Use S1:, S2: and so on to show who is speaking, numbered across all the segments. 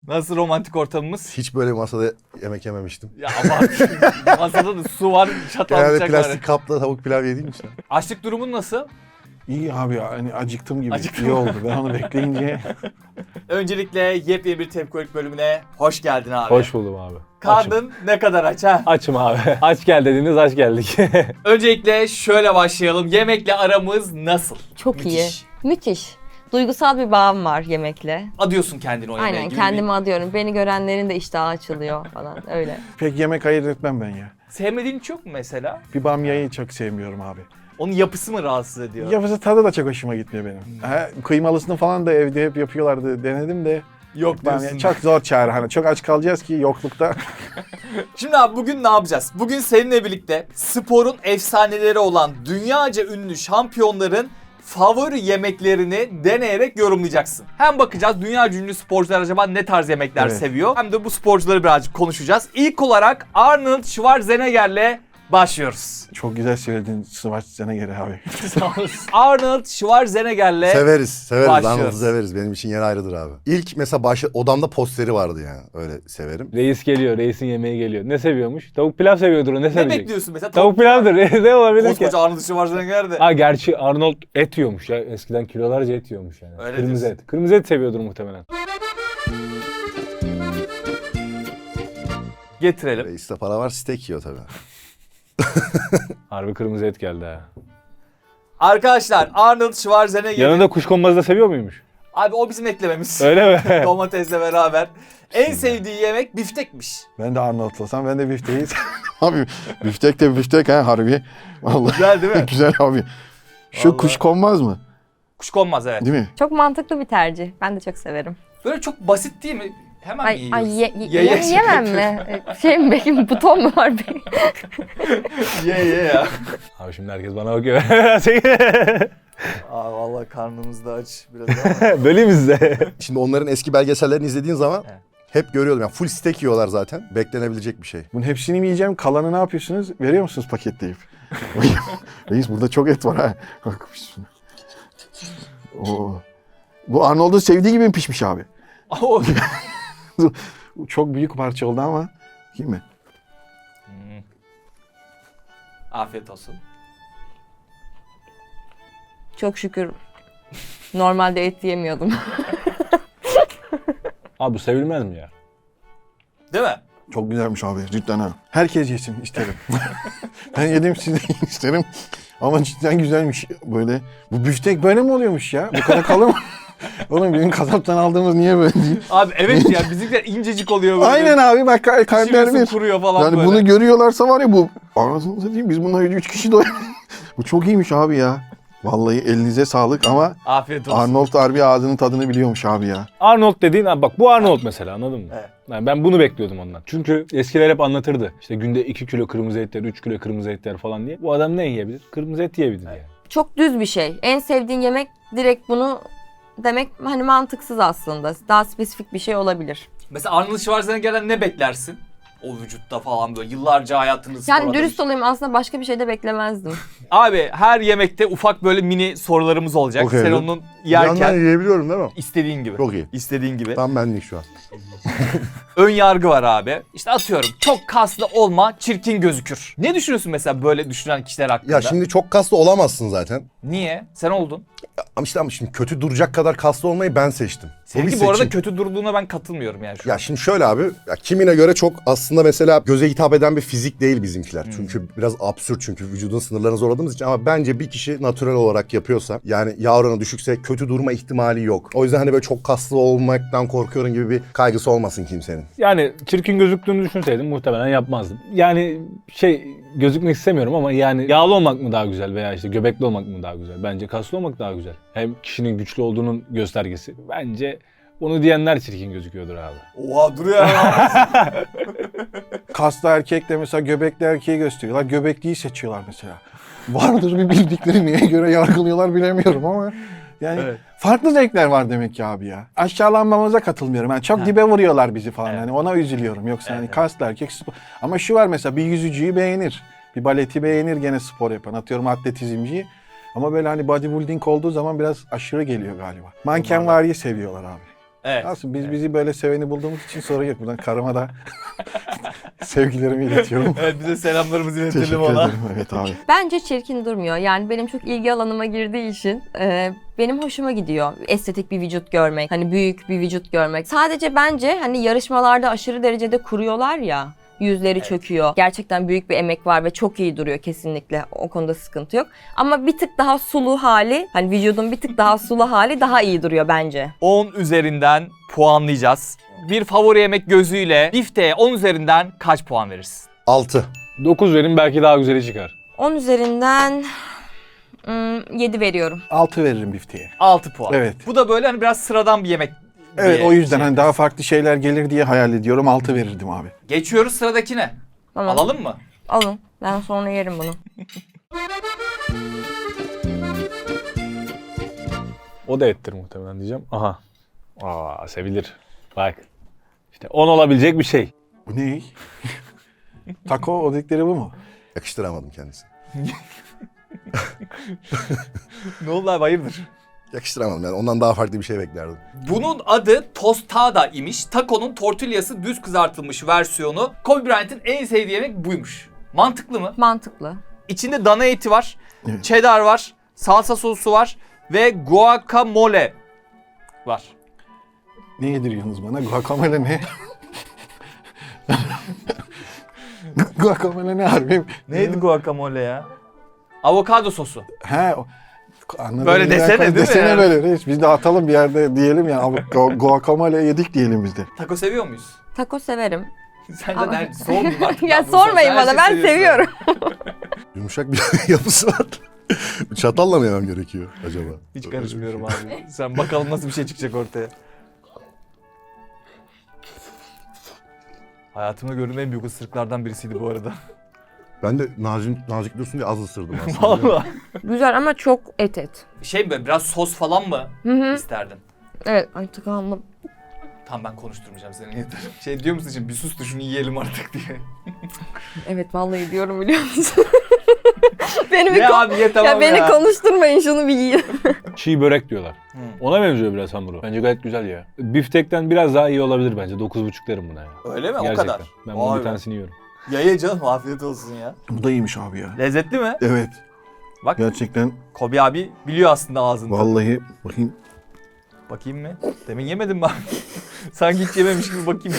S1: Nasıl romantik ortamımız?
S2: Hiç böyle bir masada yemek yememiştim.
S1: Ya aman masada da su var, çatal
S2: Genelde
S1: bıçak var.
S2: plastik kapla tavuk pilav yediğim için.
S1: Açlık durumun nasıl?
S3: İyi abi ya, hani acıktım gibi.
S1: Acıktım.
S3: İyi oldu. Ben onu bekleyince.
S1: Öncelikle yepyeni bir Tepkolik bölümüne hoş geldin abi.
S4: Hoş buldum abi. Açım.
S1: Karnın ne kadar aç ha?
S4: Açım abi. Aç gel dediniz, aç geldik.
S1: Öncelikle şöyle başlayalım. Yemekle aramız nasıl?
S5: Çok
S1: Müthiş.
S5: iyi. Müthiş. Duygusal bir bağım var yemekle.
S1: Adıyorsun kendini o yemeğe
S5: Aynen
S1: gibi
S5: kendimi adıyorum. Beni görenlerin de iştahı açılıyor falan öyle.
S3: Pek yemek ayırt etmem ben ya.
S1: Sevmediğin hiç yok mu mesela?
S3: Bir bamyayı çok sevmiyorum abi.
S1: Onun yapısı mı rahatsız ediyor?
S3: Yapısı tadı da çok hoşuma gitmiyor benim. Kıymalısını falan da evde hep yapıyorlardı. Denedim de.
S1: Yok diyorsun.
S3: Bamya çok zor çare. Hani çok aç kalacağız ki yoklukta.
S1: Şimdi abi bugün ne yapacağız? Bugün seninle birlikte sporun efsaneleri olan dünyaca ünlü şampiyonların favori yemeklerini deneyerek yorumlayacaksın. Hem bakacağız dünyaca ünlü sporcular acaba ne tarz yemekler
S3: Evet.
S1: seviyor. Hem de bu sporcuları birazcık konuşacağız. İlk olarak Arnold Schwarzenegger'le başlıyoruz.
S3: Çok güzel söyledin Schwarzenegger abi.
S1: Arnold Schwarzenegger'le
S2: Severiz
S1: başlıyoruz.
S2: Arnold'u severiz. Benim için yer ayrıdır abi. İlk mesela odamda posteri vardı yani. Öyle severim.
S4: Reis geliyor, reisin yemeği geliyor. Ne seviyormuş? Tavuk pilav seviyordur o, ne
S1: ne
S4: sevecek?
S1: bekliyorsun mesela?
S4: Tavuk pilavdır. Ne olabilir ki?
S1: Koskoca Arnold Schwarzenegger de.
S4: Ha gerçi Arnold et yiyormuş ya. Eskiden kilolarca et yiyormuş yani.
S1: Öyle
S4: Kırmızı
S1: diyorsun.
S4: et. Kırmızı et seviyordur muhtemelen.
S1: Getirelim.
S2: Reis'te para var, steak yiyor tabii.
S4: Harbi kırmızı et geldi ha.
S1: Arkadaşlar Arnold Schwarzenegger.
S4: Yanında kuşkonmazı da seviyor muymuş?
S1: Abi o bizim eklememiz.
S4: Öyle mi?
S1: Domatesle beraber. En sevdiği yemek biftekmiş.
S3: Ben de Arnold'lasam ben de bifteyi abi biftek de biftek ha harbi. Vallahi
S1: Güzel değil mi?
S3: güzel abi. Şu
S1: Vallahi.
S3: kuşkonmaz mı?
S1: Kuşkonmaz evet.
S3: Değil mi?
S5: Çok mantıklı bir tercih. Ben de çok severim.
S1: Böyle çok basit değil mi? Hemen mi yiyoruz?
S5: Yemem mi? Şey mi benim buton mu var benim?
S1: Ye ya.
S4: Abi şimdi herkes bana bakıyor.
S1: Aa vallahi karnımız da aç biraz ama.
S4: Böleyim mi size?
S2: Şimdi onların eski belgesellerini izlediğin zaman
S1: Evet.
S2: hep görüyordum. Yani full steak yiyorlar zaten. Beklenebilecek bir şey.
S3: Bunun hepsini mi yiyeceğim? Kalanı ne yapıyorsunuz? Veriyor musunuz paketleyip? Reis burada çok et var ha. Bak şuna. Oo. Bu Arnold'un sevdiği gibi mi pişmiş abi?
S1: O-
S3: Çok büyük parça oldu ama. Değil mi?
S1: Afiyet olsun.
S5: Çok şükür normalde et yemiyordum.
S4: Abi bu sevilmez mi ya?
S1: Değil mi?
S3: Çok güzelmiş abi cidden ha. Herkes yesin isterim. Ben yedim siz de yiyin isterim. Ama cidden güzelmiş böyle. Bu büftek böyle mi oluyormuş ya? Bu kadar kalın mı? Oğlum bizim kasaptan aldığımız niye böyle değil?
S1: Abi evet ya bizimkiler incecik oluyor böyle.
S3: Aynen abi bak kalpler
S1: Pişiriyorsun,
S3: bir.
S1: kuruyor falan
S3: Yani
S1: böyle.
S3: bunu görüyorlarsa var ya bu. Anasını satayım biz bununla 3 kişi doyuyoruz. Bu çok iyiymiş abi ya. Vallahi elinize sağlık ama
S1: Afiyet olsun.
S3: Arnold harbi ağzının tadını biliyormuş abi ya.
S4: Arnold dediğin, abi bak bu Arnold mesela, anladın mı?
S1: Evet.
S4: Yani ben bunu bekliyordum ondan. Çünkü eskiler hep anlatırdı. İşte günde 2 kilo kırmızı et yer, 3 kilo kırmızı et yer falan diye. Bu adam ne yiyebilir? Kırmızı et yiyebilir yani.
S5: Çok düz bir şey. En sevdiğin yemek direkt bunu demek hani mantıksız aslında. Daha spesifik bir şey olabilir.
S1: Mesela Arnold Schwarzenegger'den ne beklersin? O vücutta falan böyle yıllarca hayatını
S5: Yani
S1: spor
S5: dürüst
S1: adamış.
S5: olayım aslında başka bir şey de beklemezdim.
S1: Abi her yemekte ufak böyle mini sorularımız olacak.
S2: Okey.
S1: Sen onun
S2: Yandan
S1: yerken
S2: yiyebiliyorum değil mi?
S1: istediğin gibi.
S2: Çok iyi.
S1: İstediğin gibi.
S2: Tam benlik şu an.
S1: Ön yargı var abi. İşte atıyorum çok kaslı olma, çirkin gözükür. Ne düşünüyorsun mesela böyle düşünen kişiler hakkında?
S2: Ya şimdi çok kaslı olamazsın zaten.
S1: Niye? Sen oldun.
S2: Ama şimdi kötü duracak kadar kaslı olmayı ben seçtim. bir
S1: Seninki bu arada
S2: seçim.
S1: kötü durduğuna ben katılmıyorum yani şu an.
S2: Ya şimdi şöyle abi, ya kimine göre çok aslında mesela göze hitap eden bir fizik değil bizimkiler. Çünkü biraz absürt çünkü vücudun sınırlarını zorladığımız için ama bence bir kişi natürel olarak yapıyorsa yani yağ oranı düşükse kötü durma ihtimali yok. O yüzden hani böyle çok kaslı olmaktan korkuyorum gibi bir kaygısı olmasın kimsenin.
S4: Yani çirkin gözüktüğünü düşünseydim muhtemelen yapmazdım. Yani gözükmek istemiyorum ama yani yağlı olmak mı daha güzel veya işte göbekli olmak mı daha güzel? Bence kaslı olmak daha güzel. Hem kişinin güçlü olduğunun göstergesi. Bence onu diyenler çirkin gözüküyordur abi.
S1: Oha duruyor ya.
S3: Kaslı erkek de mesela göbekli erkeği gösteriyorlar. Göbekliyi seçiyorlar mesela. Vardır bir bildikleri neye göre yargılıyorlar bilemiyorum ama yani
S1: Evet.
S3: farklı zevkler var demek ki abi ya. Aşağılanmamıza katılmıyorum. Yani çok dibe vuruyorlar bizi falan.
S1: Evet.
S3: Hani ona üzülüyorum. Yoksa hani
S1: Evet.
S3: kaslı erkek spor. Ama şu var mesela bir yüzücüyü beğenir. Bir baleti beğenir gene spor yapan. Atıyorum atletizmciyi. Ama böyle hani bodybuilding olduğu zaman biraz aşırı geliyor galiba. Mankenvari seviyorlar abi.
S1: Evet.
S3: Aslında biz bizi böyle seveni bulduğumuz için sorun yok. Buradan karıma da sevgilerimi iletiyorum.
S1: Evet, bize selamlarımızı
S3: Teşekkür
S1: iletelim ona.
S3: ederim. Evet abi.
S5: Bence çirkin durmuyor. Yani benim çok ilgi alanıma girdiği için benim hoşuma gidiyor. Estetik bir vücut görmek, hani büyük bir vücut görmek. Sadece bence hani yarışmalarda aşırı derecede kuruyorlar ya. Yüzleri çöküyor. Gerçekten büyük bir emek var ve çok iyi duruyor kesinlikle. O konuda sıkıntı yok. Ama bir tık daha sulu hali, hani vücudun bir tık daha sulu hali daha iyi duruyor bence.
S1: 10 üzerinden puanlayacağız. Bir favori yemek gözüyle bifteğe 10 üzerinden kaç puan verirsin?
S2: 6.
S4: 9 verin belki daha güzeli çıkar.
S5: 10 üzerinden 7 veriyorum.
S3: 6 veririm bifteğe.
S1: 6 puan.
S3: Evet.
S1: Bu da böyle hani biraz sıradan bir yemek.
S3: Evet
S1: diye
S3: o yüzden
S1: şey.
S3: hani daha farklı şeyler gelir diye hayal ediyorum. 6 verirdim abi.
S1: Geçiyoruz sıradakine.
S5: Tamam.
S1: Alalım mı?
S5: Alın. Ben sonra yerim bunu.
S4: O da ettir muhtemelen diyeceğim. Aha. Aa, sevilir. Bak. İşte 10 olabilecek bir şey.
S3: Bu ne? Taco o dedikleri bu mu?
S2: Yakıştıramadım kendisini.
S1: Ne oldu abi, hayırdır?
S2: Yakıştıramadım yani ondan daha farklı bir şey beklerdim.
S1: Bunun adı tostada imiş. Taco'nun tortillası düz kızartılmış versiyonu. Kobe Bryant'in en sevdiği yemek buymuş. Mantıklı mı?
S5: Mantıklı.
S1: İçinde dana eti var,
S3: Evet.
S1: cheddar var, salsa sosu var ve guacamole var.
S3: Ne yediriyorsunuz bana? Guacamole ne? Guacamole ne harbi?
S1: Neydi guacamole ya? Avokado sosu.
S3: He. Anladım.
S1: Böyle desene değil mi
S3: Desene
S1: yani?
S3: böyle reis. Biz de atalım bir yerde diyelim ya. Guacamole yedik diyelim biz de.
S1: Taco seviyor muyuz?
S5: Taco severim.
S1: Sen de
S5: Ama-
S1: ben sormayayım artık.
S5: Ya
S1: ben bunu sorsam
S5: sormayın
S1: her
S5: bana,
S1: şeyi
S5: ben
S1: seviyorsun.
S5: seviyorum.
S2: Yumuşak bir yapısı var. Çatalla mı yemem gerekiyor acaba?
S1: Hiç karışmıyorum abi. Sen bakalım nasıl bir şey çıkacak ortaya. Hayatımda gördüğüm en büyük ısırıklardan birisiydi bu arada.
S2: Ben de nazik dursun diye az ısırdım aslında.
S1: Vallahi.
S5: Güzel ama çok et.
S1: Şey mi, biraz sos falan mı
S5: Hı hı.
S1: isterdin?
S5: Evet, ay tıkandım.
S1: Tamam, ben konuşturmayacağım seni, yeter. Şey diyor musun şimdi, bir sus da şunu yiyelim artık diye.
S5: Evet, vallahi diyorum, biliyor musun? beni bir
S1: Ne abi, ye tamam
S5: ya. Beni konuşturmayın, şunu bir yiyin.
S4: Çiğ börek diyorlar.
S1: Hı.
S4: Ona benziyor biraz hamuru. Bence gayet güzel ya. Biftekten biraz daha iyi olabilir bence. 9,5 derim buna ya.
S1: Öyle mi? O
S4: Gerçekten.
S1: kadar.
S4: Ben bunun
S1: Vay
S4: bir
S1: be.
S4: tanesini yiyorum.
S1: Ye canım, afiyet olsun ya.
S3: Bu da iyiymiş abi ya.
S1: Lezzetli mi?
S3: Evet.
S1: Bak,
S3: Gerçekten
S1: Kobe abi biliyor aslında ağzında.
S3: vallahi bakayım.
S1: Bakayım mı? Demin yemedim mi abi? Sanki hiç yememiş gibi bakayım.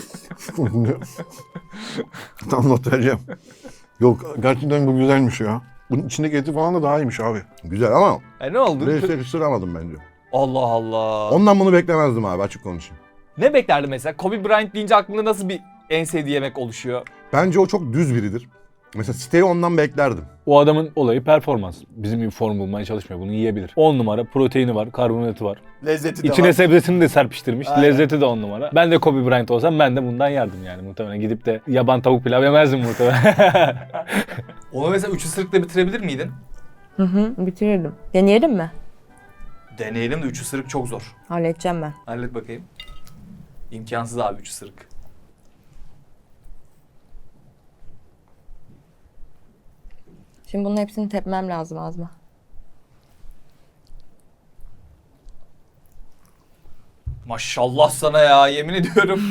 S3: Tam not vereceğim. Yok gerçekten bu güzelmiş ya. Bunun içindeki eti falan da daha iyiymiş abi.
S2: Güzel ama
S1: Ne oldu?
S2: reis yakıştıramadım bence.
S1: Allah Allah.
S2: Ondan bunu beklemezdim abi, açık konuşayım.
S1: Ne beklerdin mesela? Kobe Bryant deyince aklında nasıl bir en sevdiği yemek oluşuyor?
S2: Bence o çok düz biridir. Mesela siteyi ondan beklerdim.
S4: O adamın olayı performans. Bizim gibi form bulmaya çalışmıyor. Bunu yiyebilir. 10 numara proteini var, karbonhidratı var.
S1: Lezzeti de
S4: İçine
S1: var.
S4: sebzesini de serpiştirmiş.
S1: Aynen.
S4: Lezzeti de 10 numara. Ben de Kobe Bryant olsam ben de bundan yerdim yani muhtemelen. Gidip de yaban tavuk pilav yemezdim muhtemelen.
S1: Onu mesela 3 ısırıkla bitirebilir miydin?
S5: Hı hı, bitirirdim. Deneyelim mi?
S1: Deneyelim de 3 ısırık çok zor.
S5: Halledeceğim ben.
S1: Hallet bakayım. İmkansız abi 3 ısırık.
S5: Şimdi bunun hepsini tepmem lazım ağzıma.
S1: Maşallah sana ya, yemin ediyorum.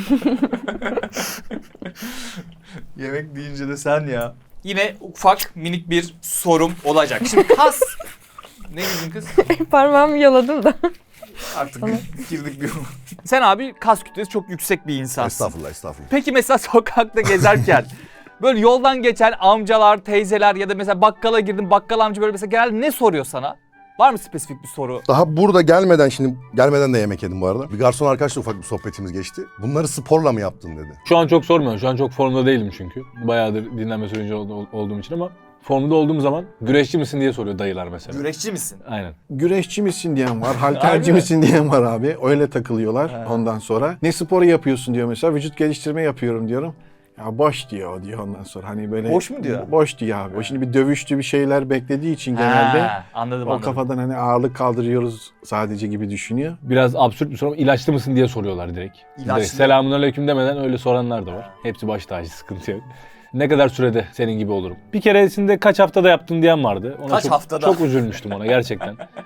S1: Yemek deyince de sen ya. Yine ufak minik bir sorum olacak. Şimdi kas... Ne dedin kız?
S5: Parmağımı yaladım da.
S1: Artık girdik bir... Sen abi kas kütlesi çok yüksek bir insansın.
S2: Estağfurullah, estağfurullah.
S1: Peki mesela sokakta gezerken böyle yoldan geçen amcalar, teyzeler ya da mesela bakkala girdin, bakkal amca böyle mesela genelde ne soruyor sana? Var mı spesifik bir soru?
S2: Daha burada gelmeden de yemek yedim bu arada. Bir garson arkadaşla ufak bir sohbetimiz geçti. Bunları sporla mı yaptın dedi.
S4: Şu an çok sormuyorum. Şu an çok formda değilim çünkü. Bayağıdır dinlenme sürecinde olduğum için ama formda olduğum zaman güreşçi misin diye soruyor dayılar mesela.
S1: Güreşçi misin?
S4: Aynen.
S3: Güreşçi misin diyen var,
S1: Harbi
S3: halterci
S1: mi?
S3: misin diyen var abi. Öyle takılıyorlar
S1: He.
S3: ondan sonra. Ne sporu yapıyorsun diyor mesela. Vücut geliştirme yapıyorum diyorum. Ya boş diyor ondan sonra. Hani böyle
S1: Boş mu diyor?
S3: Boş diyor abi. O şimdi bir dövüştü bir şeyler beklediği için genelde
S1: Ha, anladım
S3: o
S1: anladım.
S3: kafadan hani ağırlık kaldırıyoruz sadece gibi düşünüyor.
S4: Biraz absürt bir soru ama ilaçlı mısın diye soruyorlar direkt.
S1: İlaçlı.
S4: Direkt selamünaleyküm demeden öyle soranlar da var. Hepsi baş tacı, sıkıntı yok. Ne kadar sürede senin gibi olurum? Bir keresinde kaç haftada yaptın diyen vardı. Ona
S1: Kaç haftada?
S4: Çok üzülmüştüm ona gerçekten.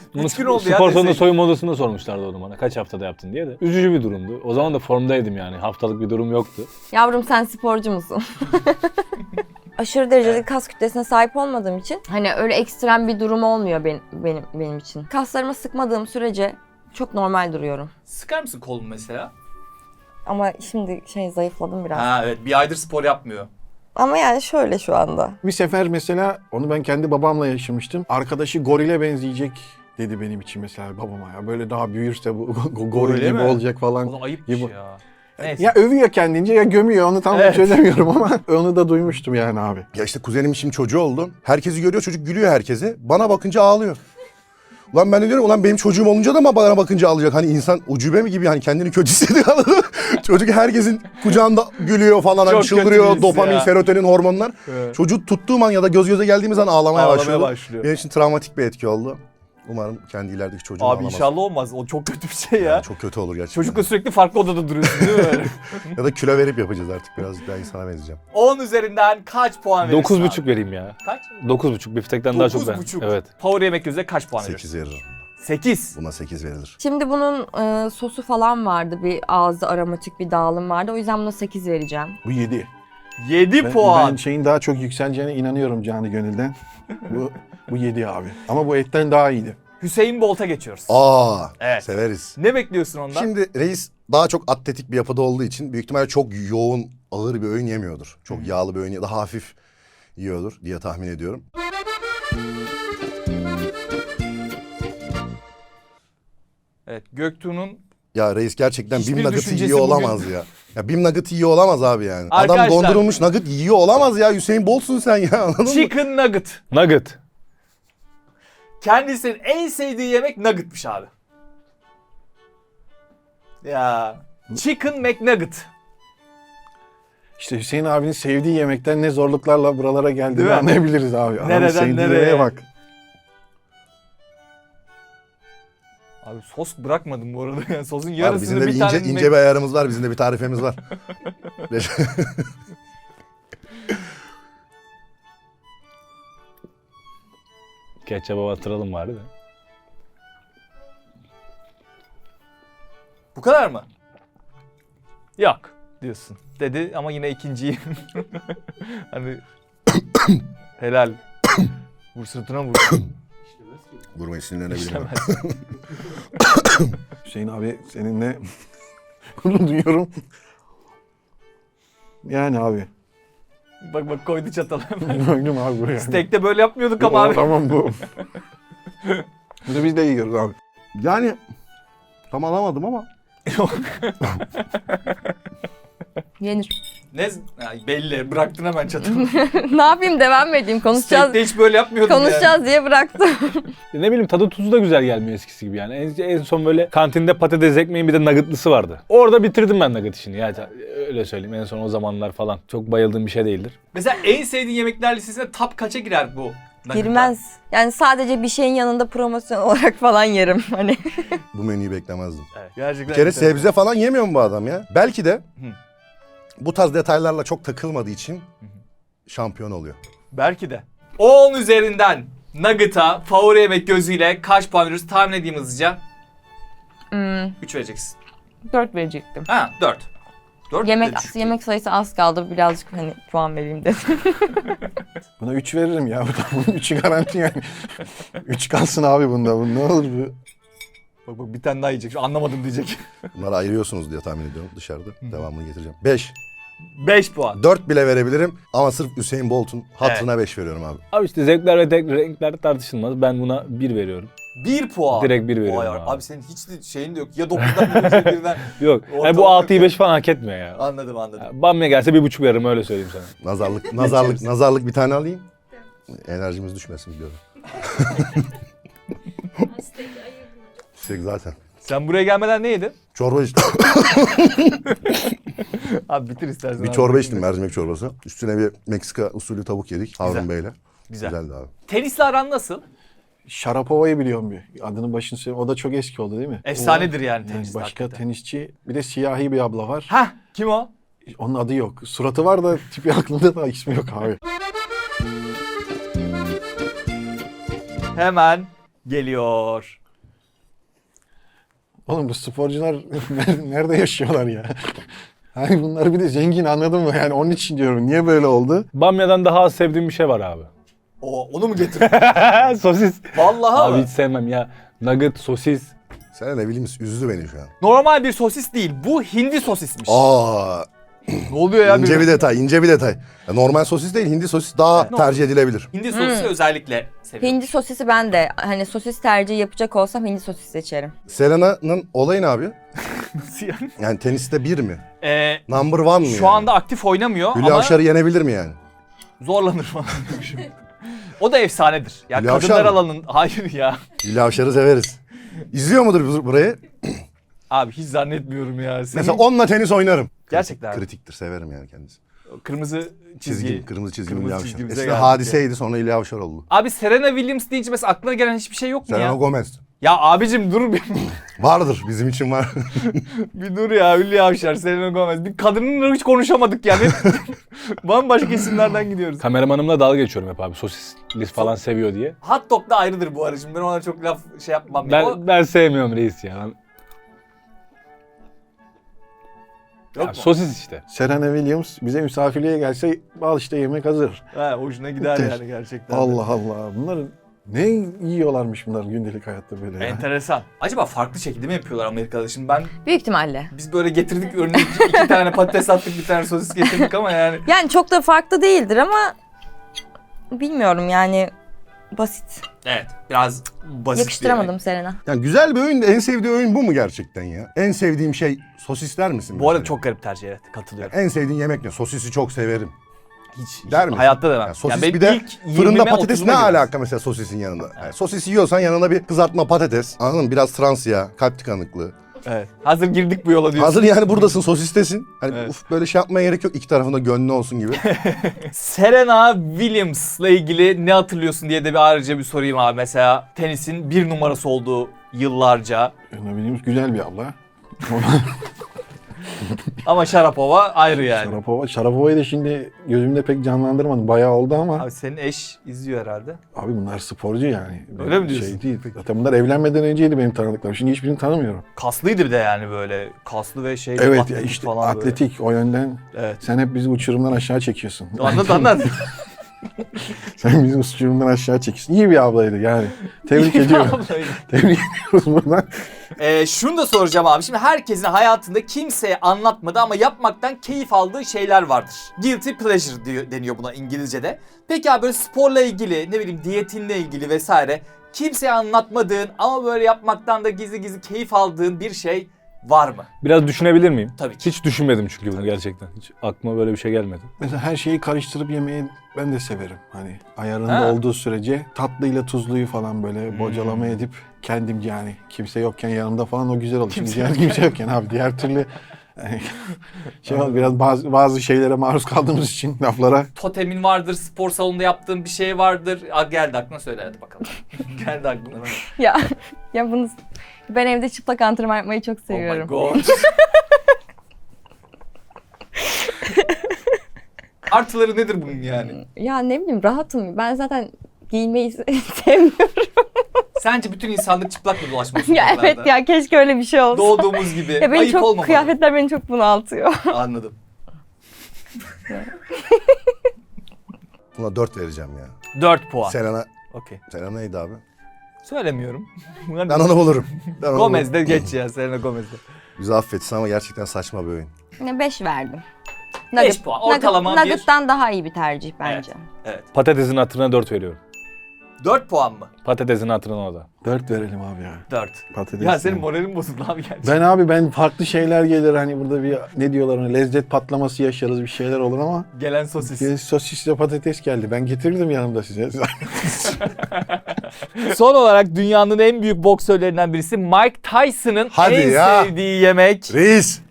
S4: Bunu
S1: 3 gün oldu ya.
S4: spor salonunda
S1: deseydin.
S4: soyunma odasında sormuşlardı onu bana. Kaç haftada yaptın diye de. Üzücü bir durumdu. O zaman da formdaydım yani. Haftalık bir durum yoktu.
S5: Yavrum sen sporcu musun? Aşırı derecede kas kütlesine sahip olmadığım için hani öyle ekstrem bir durum olmuyor benim için. Kaslarımı sıkmadığım sürece çok normal duruyorum.
S1: Sıkar mısın kolunu mesela?
S5: Ama şimdi zayıfladım biraz.
S1: Ha evet, bir aydır spor yapmıyor.
S5: Ama yani şöyle şu anda.
S3: Bir sefer mesela onu ben kendi babamla yaşamıştım. Arkadaşı gorile benzeyecek dedi benim için mesela babama ya. Böyle daha büyürse bu goril
S1: Öyle
S3: gibi
S1: mi?
S3: olacak falan.
S1: O da ayıp
S3: gibi.
S1: ya. Neyse.
S3: Ya övüyor kendince ya gömüyor onu tam
S1: Evet.
S3: çözemiyorum ama onu da duymuştum yani abi.
S2: Ya işte kuzenimin şimdi çocuğu oldu. Herkesi görüyor, çocuk gülüyor herkese. Bana bakınca ağlıyor. Ulan ben de diyorum, ulan benim çocuğum olunca da mı bana bakınca ağlayacak? Hani insan ucube mi gibi, hani kendini kötü hissediyor, anladın mı? Çocuk herkesin kucağında gülüyor falan, hani
S1: Çok kötü bir
S2: çıldırıyor,
S1: his
S2: dopamin,
S1: ya.
S2: serotonin, hormonlar.
S1: Evet.
S2: Çocuğu tuttuğum an ya da göz göze geldiğimiz an ağlamaya başlıyor.
S1: başlıyor.
S2: Benim için travmatik bir etki oldu. Umarım kendi ilerideki çocuğum
S1: Abi
S2: ağlamaz.
S1: inşallah olmaz. O çok kötü bir şey ya.
S2: Yani çok kötü olur gerçekten.
S1: Çocukla sürekli farklı odada duruyorsun değil mi öyle?
S2: Ya da kilo verip yapacağız artık, birazcık daha insana benzeyeceğim.
S1: 10 üzerinden kaç puan verirsin
S4: 9,5
S1: abi?
S4: vereyim ya.
S1: Kaç?
S4: 9,5 biftekten daha çok ben.
S1: 9,5.
S4: Evet.
S1: Power yemek gözüne kaç puan
S2: 8
S1: verirsin?
S2: veririm.
S1: 8.
S2: Buna 8 verilir.
S5: Şimdi bunun sosu falan vardı. Bir ağızda aromatik bir dağılım vardı. O yüzden buna 8 vereceğim.
S3: Bu 7.
S1: 7
S3: Ben
S1: puan.
S3: şeyin daha çok yükseleceğine inanıyorum canı gönülden. bu 7 abi. Ama bu etten daha iyiydi.
S1: Hüseyin Bolt'a geçiyoruz.
S2: Aa,
S1: Evet.
S2: severiz.
S1: Ne bekliyorsun ondan?
S2: Şimdi reis daha çok atletik bir yapıda olduğu için büyük ihtimalle çok yoğun, ağır bir öğün yemiyordur. Çok yağlı bir öğün, daha hafif yiyordur diye tahmin ediyorum.
S1: Evet, Göktuğ'un
S2: Ya reis gerçekten
S1: Hiçbir
S2: Bim Nugget'ı
S1: düşüncesi
S2: yiyor
S1: bugün-
S2: olamaz ya. Ya Bim Nugget'ı yiyor olamaz abi yani.
S1: Arkadaşlar-
S2: Adam dondurulmuş nugget yiyor olamaz ya. Hüseyin Bolt'sun sen ya, anladın mı?
S1: Chicken Nugget.
S4: Nugget.
S1: Kendisinin en sevdiği yemek nugget'mış abi. Ya. Chicken McNugget.
S3: İşte Hüseyin abinin sevdiği yemekten ne zorluklarla buralara
S1: Değil
S3: geldiğini
S1: mi?
S3: anlayabiliriz abi. Adamın
S1: Nereden
S3: sevdiği
S1: nereye?
S3: yemeğe bak.
S1: Abi sos bırakmadım bu arada. Yani sosun
S2: Abi
S1: yarısını
S2: bizim de bir
S1: bir tane
S2: ince bir ayarımız var. Bizim de bir tarifemiz var.
S4: Ketçaba batıralım bari de.
S1: Bu kadar mı? Yok diyorsun. Dedi ama yine ikinciyi. Hani helal. Vur sırtına vur.
S2: Vurmayı sinirlenebilirim.
S1: İşlemez.
S3: Hüseyin abi seninle gurur duyuyorum. Yani abi.
S1: Bak koydu çatalı.
S3: Gördüm abi buraya.
S1: Steak'te böyle yapmıyorduk ama abi.
S3: Tamam bu. Bu da biz de yiyoruz abi.
S2: Yani tam alamadım ama.
S5: Yenir.
S1: Ne? Ya belli. Bıraktın hemen çatalı.
S5: Ne yapayım, devam mı edeyim? Konuşacağız.
S1: Steak'te hiç böyle yapmıyordun
S5: Konuşacağız diye bıraktım.
S4: Ne bileyim tadı tuzu da güzel gelmiyor eskisi gibi yani. En son böyle kantinde patates ekmeğin bir de nuggetlısı vardı. Orada bitirdim ben nugget işini ya. Öyle söyleyeyim, en son o zamanlar falan. Çok bayıldığım bir şey değildir.
S1: Mesela en sevdiğin yemekler listesine top kaça girer bu?
S5: Girmez. Yani sadece bir şeyin yanında promosyon olarak falan yerim. Hani
S2: Bu menüyü beklemezdim.
S1: Evet, gerçekten.
S2: Bir kere
S1: enteresan.
S2: sebze falan yemiyor mu bu adam ya? Belki de bu tarz detaylarla çok takılmadığı için şampiyon oluyor.
S1: Belki de. 10 üzerinden Nugget'a favori yemek gözüyle kaç puan veriyoruz? Tahmin edeyim hızlıca. 3 vereceksin.
S5: 4 verecektim.
S1: Ha 4. 4
S5: Yemek sayısı az kaldı. Birazcık hani puan vereyim dedim.
S3: Buna 3 veririm ya. Bunun 3'ü garanti yani. 3 kalsın abi bunda. Bu ne olur bu?
S1: Bak bir tane daha yiyecek. Şu anlamadım diyecek.
S2: Bunları ayırıyorsunuz diye tahmin ediyorum dışarıda. Devamını getireceğim. 5.
S1: 5 puan.
S2: 4 bile verebilirim ama sırf Hüseyin Bolt'un hatırına 5 veriyorum abi.
S4: Abi işte zevkler ve renkler tartışılmaz. Ben buna 1 veriyorum.
S1: 1 puan.
S4: Direkt 1 veriyorum
S1: Vay
S4: abi.
S1: abi senin hiç de şeyin de yok. Ya 9'dan ya birden.
S4: Yok. Yani bu
S1: Ortalık
S4: 6'yı 5 falan hak etmiyor ya.
S1: Anladım.
S4: Bamya gelse 1,5 veririm, öyle söyleyeyim sana.
S2: Nazarlık bir tane alayım. Enerjimiz düşmesin diyorum. Steak zaten.
S1: Sen buraya gelmeden ne yedin?
S2: Çorba içtim.
S1: Abi bitir istersen.
S2: Bir
S1: abi.
S2: çorba içtim, mercimek çorbası. Üstüne bir Meksika usulü tavuk yedik Harun Bey'le.
S1: Güzel.
S2: Güzeldi abi.
S1: Tenisle aran nasıl?
S3: Şarapova'yı biliyorum bir. Adının başını söyleyeyim. O da çok eski oldu değil mi?
S1: Efsanedir yani
S3: Yani
S1: tenis.
S3: başka tenisçi. Bir de siyahi bir abla var.
S1: Hah kim o?
S3: Onun adı yok. Suratı var da tipi aklımda da ismi yok abi.
S1: Hemen geliyor.
S3: Oğlum bu sporcular nerede yaşıyorlar ya? Hani bunlar bir de zengin, anladın mı? Yani onun için diyorum. Niye böyle oldu?
S4: Bamya'dan daha az sevdiğim bir şey var abi.
S1: Onu mu getirdin?
S4: Sosis.
S1: Vallahi
S4: Abi
S1: mi?
S4: hiç sevmem ya. Nugget, sosis.
S2: Sen ne bileyim üzdü beni şu an.
S1: Normal bir sosis değil. Bu hindi sosismiş.
S2: Aa,
S1: Ne oluyor ya?
S2: ince bir detay, ince bir detay. Ya normal sosis değil, hindi sosis daha tercih edilebilir.
S1: Hindi sosisi özellikle seviyorum.
S5: Hindi sosisi ben de hani sosis tercihi yapacak olsam hindi sosis seçerim.
S2: Selena'nın olayı ne abi?
S1: Nasıl yani?
S2: Yani teniste bir mi?
S1: Ee,
S2: Number one mı
S1: şu
S2: yani?
S1: anda aktif oynamıyor
S2: Hülya
S1: ama
S2: Avşar'ı yenebilir mi yani?
S1: zorlanır falan. O da efsanedir. Ya
S2: Hülya Avşar
S1: kadınlar
S2: mı?
S1: alanın... Hayır ya.
S2: Hülya Avşar'ı severiz. İzliyor mudur burayı?
S1: Abi hiç zannetmiyorum ya. Senin
S2: Mesela onunla tenis oynarım.
S1: Gerçekten.
S2: Kritiktir, severim yani kendisi.
S1: kırmızı çizgi.
S2: Çizgim, kırmızı çizgim
S1: Kırmızı
S2: Hülya Avşar.
S1: çizgimize
S2: Eskiden
S1: geldik
S2: hadiseydi, sonra Hülya Avşar oldu.
S1: Abi Serena Williams deyince mesela aklına gelen hiçbir şey yok mu
S2: Selena
S1: ya?
S2: Gomez.
S1: Ya abicim dur bir,
S2: Vardır, bizim için var.
S1: bir dur ya. Hülya Avşar, Selena Gomez. Bir kadınla hiç konuşamadık yani. Bambaşka isimlerden gidiyoruz.
S4: Kameramanımla dalga geçiyorum hep abi. Sosisli falan seviyor diye.
S1: Hot dog da ayrıdır bu arada. Şimdi ben ona çok laf şey yapmam. ya.
S4: Ben sevmiyorum reis ya.
S1: Yok
S4: Ya
S1: mu?
S4: sosis işte.
S3: Serena Williams bize misafirliğe gelse al işte yemek hazır.
S1: He, hoşuna gider
S3: Bitter.
S1: yani gerçekten. de.
S3: Allah Allah. Bunlar ne yiyorlarmış bunlar gündelik hayatta böyle ya.
S1: Enteresan. Acaba farklı şekilde mi yapıyorlar Amerika'da? Şimdi
S5: Büyük ihtimalle.
S1: biz böyle getirdik örneğin iki tane patates attık, bir tane sosis getirdik ama yani.
S5: Yani çok da farklı değildir ama bilmiyorum yani basit.
S1: Evet, biraz basit.
S5: Yakıştıramadım Serena.
S2: Yani güzel bir öğün de en sevdiği öğün bu mu gerçekten ya? En sevdiğim şey sosisler misin?
S1: Bu arada
S2: mesela?
S1: çok garip tercih, evet, katılıyorum.
S2: En sevdiğin yemek ne? Sosisi çok severim.
S1: Hiç
S2: Der misin?
S1: hayatta demem.
S2: Yani sosis
S1: benim
S2: bir de
S1: ilk
S2: fırında
S1: 20'me,
S2: patates
S1: 30'uma
S2: ne
S1: girmez.
S2: alaka mesela sosisin yanında? Yani sosis yiyorsan yanına bir kızartma patates. Anladın mı? Biraz trans yağ, kalp tıkanıklığı.
S1: Evet. Hazır girdik bu yola diyorsun.
S2: Hazır yani buradasın sosistesin. Hani
S1: Evet.
S2: uf böyle şey yapmaya gerek yok. İki tarafında gönlü olsun gibi.
S1: Serena Williams'la ilgili ne hatırlıyorsun diye de bir ayrıca bir sorayım abi. Mesela tenisin bir numarası olduğu yıllarca.
S3: Serena Williams güzel bir abla.
S1: Ama Sharapova ayrı yani.
S3: Sharapova'yı da şimdi gözümde pek canlandırmadım. Bayağı oldu ama.
S1: Abi senin eş izliyor herhalde.
S3: Abi bunlar sporcu yani.
S1: Öyle mi diyorsun?
S3: Şey değil. Zaten bunlar evlenmeden önceydi benim tanıdıklarım. Şimdi hiçbirini tanımıyorum.
S1: Kaslıydı bir de yani böyle. Kaslı ve şey.
S3: Evet ya
S1: atletik
S3: işte
S1: falan böyle.
S3: atletik o yönden.
S1: Evet.
S3: Sen hep bizi uçurumdan aşağı çekiyorsun.
S1: Anlat.
S3: Sen bizi uçurumdan aşağı çekiyorsun. İyi bir ablaydı yani. Tebrik ediyorum. Tebrik ediyoruz buradan.
S1: Şunu da soracağım abi. Şimdi herkesin hayatında kimseye anlatmadığı ama yapmaktan keyif aldığı şeyler vardır. Guilty pleasure deniyor buna İngilizce'de. Peki abi böyle sporla ilgili, ne bileyim diyetinle ilgili vesaire kimseye anlatmadığın ama böyle yapmaktan da gizli gizli keyif aldığın bir şey var mı?
S4: Biraz düşünebilir miyim?
S1: Tabii ki.
S4: Hiç düşünmedim çünkü bunu gerçekten. Hiç aklıma böyle bir şey gelmedi.
S3: Mesela her şeyi karıştırıp yemeyi ben de severim. Hani ayarında
S1: Ha.
S3: olduğu sürece tatlıyla tuzluyu falan böyle bocalama edip kendimce yani kimse yokken yanımda falan o güzel olur. Şimdi diğer kimse yokken abi diğer türlü yani, biraz bazı şeylere maruz kaldığımız için laflara.
S1: Totemin vardır, spor salonunda yaptığın bir şey vardır. Geldi aklına, söyle hadi bakalım. Geldi aklına.
S5: Ya bunu ben evde çıplak antrenman yapmayı çok
S1: Oh my
S5: seviyorum.
S1: god. Artıları nedir bunun yani?
S5: Ya ne bileyim rahatım. Ben zaten giyinmeyi sevmiyorum.
S1: Sence bütün insanlık çıplak mı dolaşmak
S5: Ya evet ya keşke öyle bir şey olsa.
S1: Doğduğumuz gibi.
S5: Ya beni
S1: Ayıp
S5: çok
S1: olmamalı.
S5: kıyafetler beni çok bunaltıyor.
S1: Anladım.
S2: Buna 4 vereceğim ya.
S1: 4 puan.
S2: Selena,
S1: Okey.
S2: Selena neydi abi?
S1: Söylemiyorum.
S2: Ben onu bulurum. Ben onu bulurum.
S1: Gomez'de geç ya, Selena Gomez'de.
S2: Bizi affetsin ama gerçekten saçma bir oyun.
S5: 5 verdim.
S1: 5 puan. Ortalama bir.
S5: Nugget'tan daha iyi bir tercih bence.
S1: Evet.
S4: Patatesin hatırına 4 veriyorum.
S1: 4 puan mı?
S4: Patatesin hatırına o da.
S3: 4 verelim abi ya.
S1: 4.
S3: Patates.
S1: Ya senin
S3: yani.
S1: moralin bozuldu abi gerçekten.
S3: Ben farklı şeyler gelir hani burada bir ne diyorlar ona lezzet patlaması yaşarız bir şeyler olur ama
S1: Gelen sosis.
S3: bir sosisle patates geldi. Ben getirdim yanımda size.
S1: Son olarak dünyanın en büyük boksörlerinden birisi Mike Tyson'ın
S2: Hadi
S1: en
S2: ya.
S1: sevdiği yemek.
S2: Reis!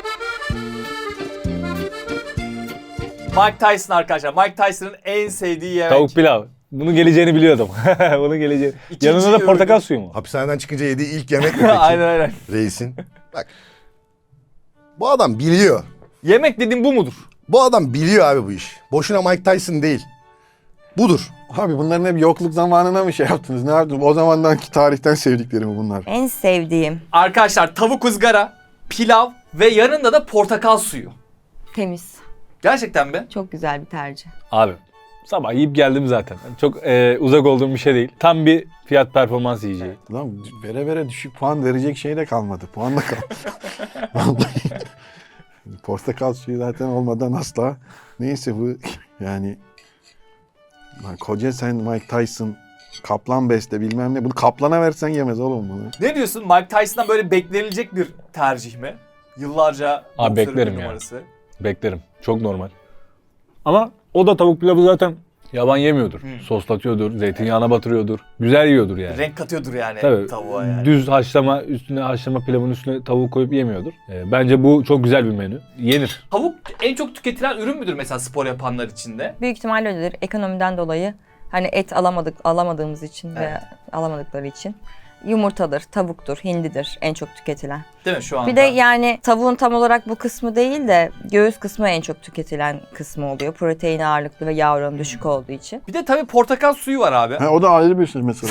S1: Mike Tyson arkadaşlar. Mike Tyson'ın en sevdiği yemek.
S4: Tavuk pilav. Bunun geleceğini biliyordum. Bunun geleceğini.
S1: İkinci
S4: Yanında da portakal
S1: ürünü.
S4: suyu mu?
S2: Hapishaneden çıkınca yediği ilk yemek mi peki?
S1: Aynen.
S2: Reisin. Bak. Bu adam biliyor.
S1: Yemek dediğim bu mudur?
S2: Bu adam biliyor abi bu iş. Boşuna Mike Tyson değil. Budur.
S3: Abi bunların hep yokluk zamanına mı şey yaptınız? Ne yaptınız? O zamandan ki tarihten sevdiklerimi bunlar.
S5: En sevdiğim
S1: Arkadaşlar tavuk ızgara, pilav ve yanında da portakal suyu.
S5: temiz.
S1: Gerçekten mi?
S5: Çok güzel bir tercih.
S4: Abi sabah yiyip geldim zaten. Çok uzak olduğum bir şey değil. Tam bir fiyat performans yiyeceği.
S3: Lan vere vere düşük puan verecek şey de kalmadı. Puan da kalmadı. Vallahi. Portakal suyu zaten olmadan asla. Neyse bu yani lan koca sen Mike Tyson kaplan besle bilmem ne. Bunu kaplana versen yemez oğlum bunu.
S1: Ne diyorsun? Mike Tyson'dan böyle beklenilecek bir tercih mi? Yıllarca boksörün
S4: beklerim
S1: bir
S4: ya.
S1: numarası.
S4: Beklerim. Çok normal. Ama o da tavuk pilavı zaten yaban yemiyordur. Soslatıyordur, zeytinyağına batırıyordur. Güzel yiyordur yani.
S1: Renk katıyordur yani
S4: Tabii.
S1: tavuğa yani.
S4: Düz haşlama pilavın üstüne tavuk koyup yemiyordur. Bence bu çok güzel bir menü. Yenir.
S1: Tavuk en çok tüketilen ürün müdür mesela spor yapanlar için de?
S5: Büyük ihtimalle öyledir. Ekonomiden dolayı hani et alamadığımız için ve alamadıkları için. Yumurtadır, tavuktur, hindidir en çok tüketilen.
S1: Değil mi şu anda?
S5: Bir de yani tavuğun tam olarak bu kısmı değil de göğüs kısmı en çok tüketilen kısmı oluyor. Protein ağırlıklı ve yağ oranı düşük olduğu için.
S1: Bir de tabii portakal suyu var abi.
S3: Ha, o da ayrı bir şey mesela.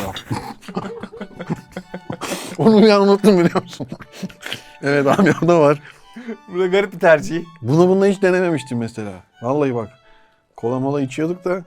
S3: Onu ya unuttum biliyor musun? Evet abi o da var.
S1: Bu da garip bir tercih.
S3: Bununla hiç denememiştim mesela. Vallahi bak. Kola mola içiyorduk da.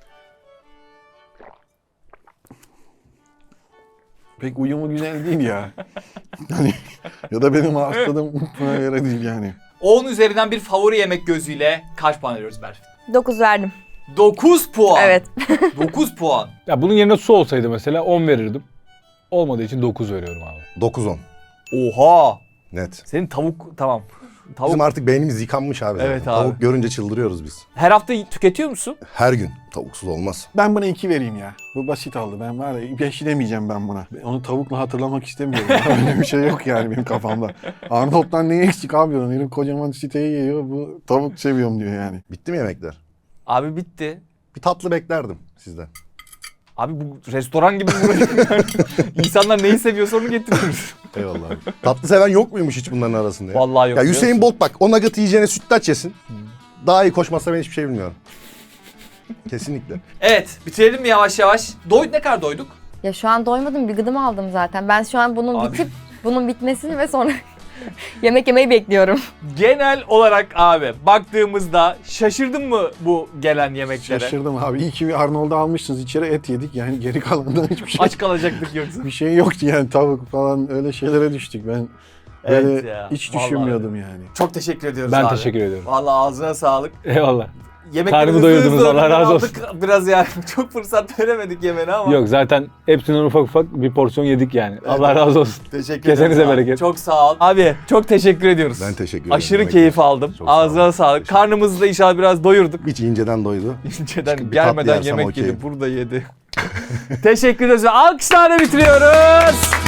S3: Pek uyumu güzel değil ya. Yani ya da benim hastalığım buna göre değil yani.
S1: 10 üzerinden bir favori yemek gözüyle kaç puan veriyoruz Berfin?
S5: 9 verdim.
S1: 9 puan.
S5: Evet.
S1: 9 puan.
S4: Ya bunun yerine su olsaydı mesela 10 verirdim. Olmadığı için 9 veriyorum abi.
S2: 9-10.
S1: Oha.
S2: Net.
S1: Senin tavuk tamam. Tavuk
S2: Bizim artık beynimiz yıkanmış abi.
S1: Evet
S2: zaten.
S1: abi.
S2: Tavuk görünce çıldırıyoruz biz.
S1: her hafta tüketiyor musun?
S2: Her gün. Tavuksuz olmaz.
S3: Ben buna 2 vereyim ya. Bu basit oldu. Ben var ya 5 demeyeceğim ben buna. Onu tavukla hatırlamak istemiyorum. Öyle bir şey yok yani benim kafamda. Arnold'dan ne eksik abi onun? Herif kocaman siteyi yiyor. Bu tavuk seviyorum diyor yani.
S2: Bitti mi yemekler?
S1: Abi bitti.
S2: Bir tatlı beklerdim sizden.
S1: Abi bu restoran gibi burası. İnsanlar neyi seviyorsa onu getiriyoruz.
S2: Eyvallah abi. Tatlı seven yok muymuş hiç bunların arasında ya?
S1: Vallahi yok.
S2: Ya
S1: biliyor
S2: Hüseyin
S1: musun?
S2: Bolt bak o nugget'ı yiyeceğine sütlaç yesin. Daha iyi koşmazsa ben hiçbir şey bilmiyorum. Kesinlikle.
S1: Evet, bitirelim mi yavaş yavaş? Ne kadar doyduk?
S5: Ya şu an doymadım, bir gıdım aldım zaten. Ben şu an bunun
S1: Abi.
S5: bitip bunun bitmesini ve sonra yemek yemeyi bekliyorum.
S1: Genel olarak abi baktığımızda şaşırdın mı bu gelen yemeklere?
S3: Şaşırdım abi. İyi ki bir Arnold'u almışsınız. İçeri et yedik. Yani geri kalanından hiçbir şey
S1: Aç kalacaktık yoksa.
S3: bir şey yoktu yani tavuk falan öyle şeylere düştük. Ben böyle
S1: Evet ya,
S3: hiç
S1: vallahi
S3: düşünmüyordum yani.
S1: Çok teşekkür ediyoruz
S4: Ben
S1: abi.
S4: teşekkür ediyorum.
S1: Vallahi ağzına sağlık.
S4: Eyvallah.
S1: Yemekleri
S4: Karnımı
S1: hızlı
S4: doyurdunuz,
S1: hızlı
S4: Allah razı
S1: aldık Biraz yani çok fırsat veremedik yemene ama.
S4: Yok zaten hepsinden ufak ufak bir porsiyon yedik yani. Allah razı olsun.
S1: Teşekkür
S4: Kesenize
S1: ederiz abi.
S4: bereket.
S1: Çok sağ ol. Abi çok teşekkür ediyoruz.
S2: Ben teşekkür ederim.
S1: Aşırı
S2: Yemek
S1: keyif
S2: için.
S1: aldım.
S2: Çok sağ olun.
S1: Ağzına sağlık.
S2: Teşekkür
S1: Karnımızı da inşallah biraz doyurduk.
S2: Hiç inceden doydu.
S1: İnceden
S2: Bir tatlı
S1: gelmeden
S2: yersem
S1: yemek
S2: okey.
S1: yedi. Burada yedi. Teşekkür ederiz. Alkışlarla bitiriyoruz.